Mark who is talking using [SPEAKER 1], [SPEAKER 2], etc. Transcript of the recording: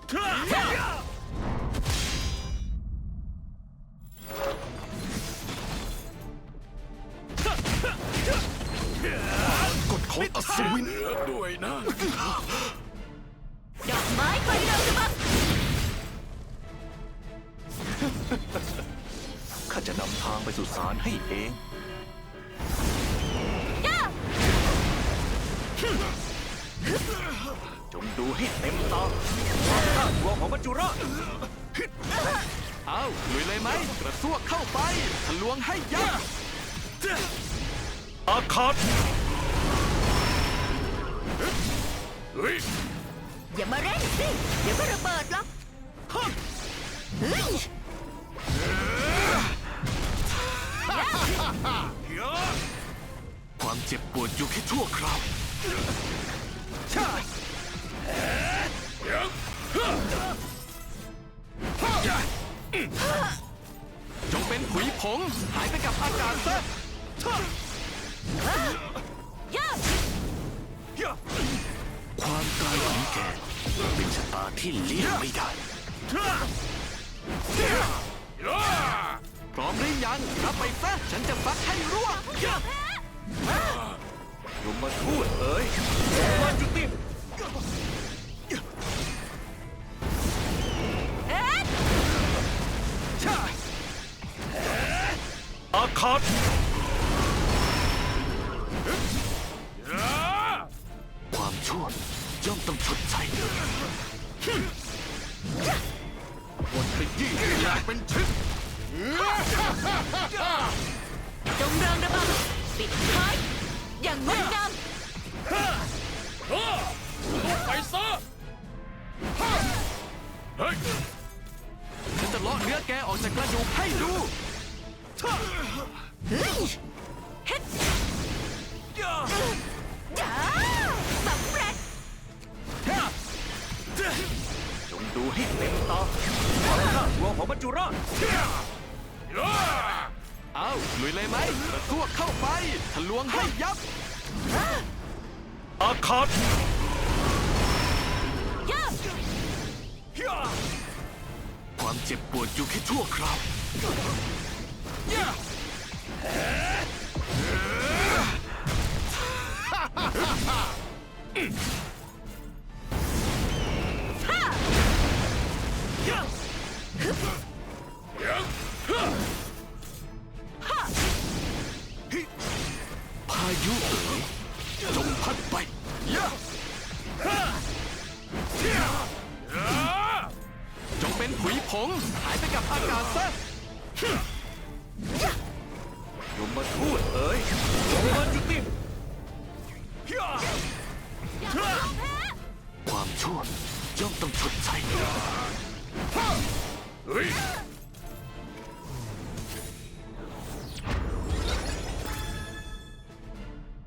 [SPEAKER 1] กฎของอัศวิน
[SPEAKER 2] ด้วยนะ
[SPEAKER 3] ดอกไม้ไฟเราจะบัง
[SPEAKER 1] ข้าจะนำทางไปสู่ศาลให้เอง จงดูให้เต็มตาความน่ากลัวของมัจจุราช
[SPEAKER 2] เอาลุยเลยไหมกระซวกเข้าไปทะลวงให้ยับ
[SPEAKER 1] อาคาต
[SPEAKER 3] อย่ามาเร่งสิเดี๋ยวก็ระเบิดหรอกเฮ้ย
[SPEAKER 2] ความเจ็บปวดอยู่แค่ชั่วคราวจงเป็นผุยผงหายไปกับอากาศซะ
[SPEAKER 1] ความตายของแกเป็นชะตาที่เลี่ยงไม่ได้
[SPEAKER 2] พร้อมหรือยังรับไปซะฉันจะฟักให้ร่วง
[SPEAKER 1] ยมมาทูตเอ๋ยมาจุติอาคาตความชั่วย่อมต้องชดใช้
[SPEAKER 2] บนขยี้อยากเป็นชิ้น
[SPEAKER 3] จงเริงระบำปิดท้ายอย่างงดงาม
[SPEAKER 2] ไปซะเฮ้ยฉันจะเลาะเนื้อแกออกจากกระดูกให้ดู
[SPEAKER 3] เฮ้ยเฮ็ดจ้าสำเร็จ
[SPEAKER 1] จงดูให้เต็มตาความน่ากลัวของมัจจุราช
[SPEAKER 2] เอาลุยเลยไหมกระซวกเข้าไปทะลวงให้ยับ
[SPEAKER 1] อาคาต ความเจ็บปวดอยู่แค่ชั่วคราว พายุเอ๋ยจงพัดไป
[SPEAKER 2] จงเป็นผุยผงหายไปกับอากาศซะ
[SPEAKER 1] ยมมาทูตเอ๋ยจงมาจุติ ความชั่วย่อมต้องชดใช้